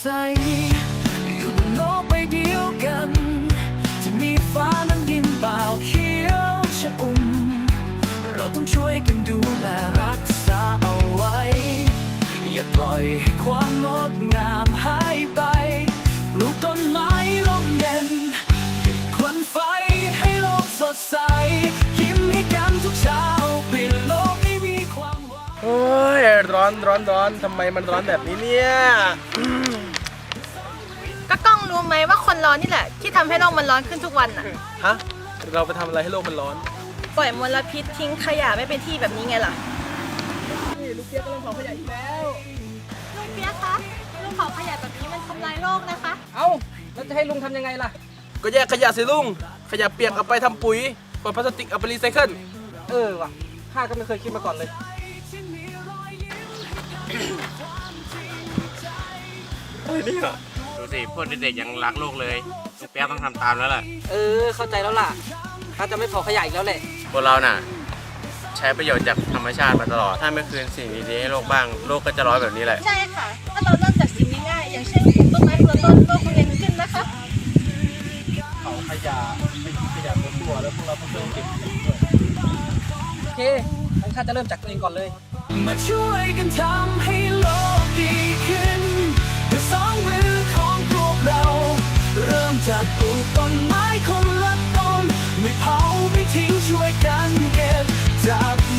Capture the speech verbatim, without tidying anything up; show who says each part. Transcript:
Speaker 1: อยู่บนโลกใบเดียวกันจะมีฟ้านั้นดินเปล่าเขียวชอุ่มเราต้องช่วยกันดูแลรักษาเอาไว้อย่าปล่อยให้ความงดงามหายไปปลูกต้นไม้ลมเย็นควันไฟให้โลกสดใสยิ้มให้กันทุกเช้าเปลี่ยนโลกให้มีความหวัง
Speaker 2: โอ้ยร้อนร้อนร้อนทำไมมันร้อนแบบนี้เนี่ย
Speaker 3: ก็กล้องรู้ไหมว่าคนร้อนนี่แหละ ที่ทำให้โลกมันร้อนขึ้นทุกวันน่ะ
Speaker 2: ฮะเราไปทำอะไรให้โลกมันร้อน
Speaker 3: ปล่อยมลพิษทิ้งขยะไม่เป็นที่แบบนี้ไงล่ะ
Speaker 2: นี่ลูกเปียกกำลังเผาขยะอีกแล้ว
Speaker 3: ลุงเปียกคะลุงเผาขยะแบบนี้มันทำลายโลกนะคะ
Speaker 4: เอ้าแล้วจะให้ลุงทำยังไงล่ะ
Speaker 2: ก็แยกขยะสิลุงขยะเปียกเอาไปทำปุ๋ยขวดพลาสติกเอาไปรีไซเคิล
Speaker 4: เออว่ะข้าก็ไม่เคยคิดมาก่อนเลย
Speaker 5: ดูสิพวกเด็กๆยังรักโลกเลยลูกแป๊บต้องทำตามแล้วล่ะ
Speaker 4: เออเข้าใจแล้วล่ะข้าจะไม่เผาขยะอีกแล้วแหละ
Speaker 5: พวกเราน่ะ ใช้ประโยชน์จากธรรมชาติมาตลอด ถ้าไม่คืนสิ่งดีๆให้โลกบ้าง โลกก็จะร้อนแบบนี้แหละ
Speaker 3: ใช่ค่ะ ถ้าเราเริ่มจากสิ่งง่ายๆอย่างเช่นปลูกต้นไม้คนละต้นโลกคงเย็นขึ้นนะคะ
Speaker 2: เผาขยะไม่ทิ้งขยะตัวแล้วพวกเราต้องช่วยเก็บขยะด้วย
Speaker 4: โอเคงั้นข้าจะเริ่มจากตัวเองก่อนเลย
Speaker 1: มาช่วยกันทำให้โลกดีขึ้นด้วยสองมือของพวกเรา เริ่มจากปลูกต้นไม้คนละต้นไม่เผาไม่ทิ้งช่วยกันเก็บจาก